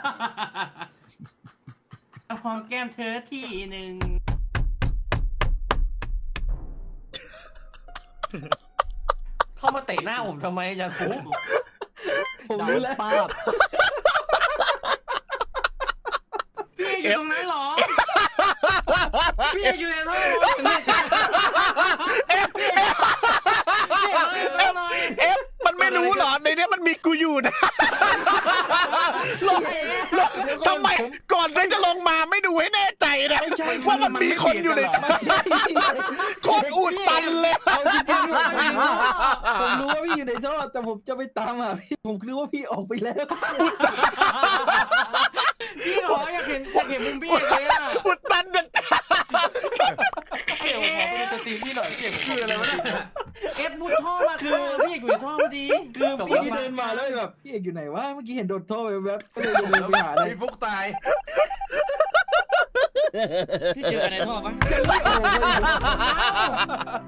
หอมแก้มเธอทีหนึ่งเข้ามาเตะหน้าผมทำไมอาจารย์ฟุกผมรู้แล้วป้าพี่อยู่ตรงนั้นเหรอพี่อยู่ในท่อมันไม่รู้เหรอในนี้มันมีกูอยู่นะทำไมก่อนที่จะลงมาไม่ดูให้แน่ใจนะว่ามันมีคนอยู่ในโคตรอุดตันเลยผมรู้ว่าพี่อยู่ในท่อแต่ผมจะไปตามหาพี่ผมคิดว่าพี่ออกไปแล้วพี่หรออยากเห็นมุมพี่เลยอ่ะอุดตันเด็ดเดี๋ยวขอไปดูสตรีมพี่หน่อยพี่คืออะไรวะเนี่ยเอฟมุดท่อมาคือพี่อยู่ในท่อพอดีคือพี่เดินมาแล้วแบบพี่เอกอยู่ไหนวะเมื่อกี้เห็นโดนท่อไปแวบก็เลยเดินไปหาเลยพี่ฟุกตายพี่เจอกันในท่อปะ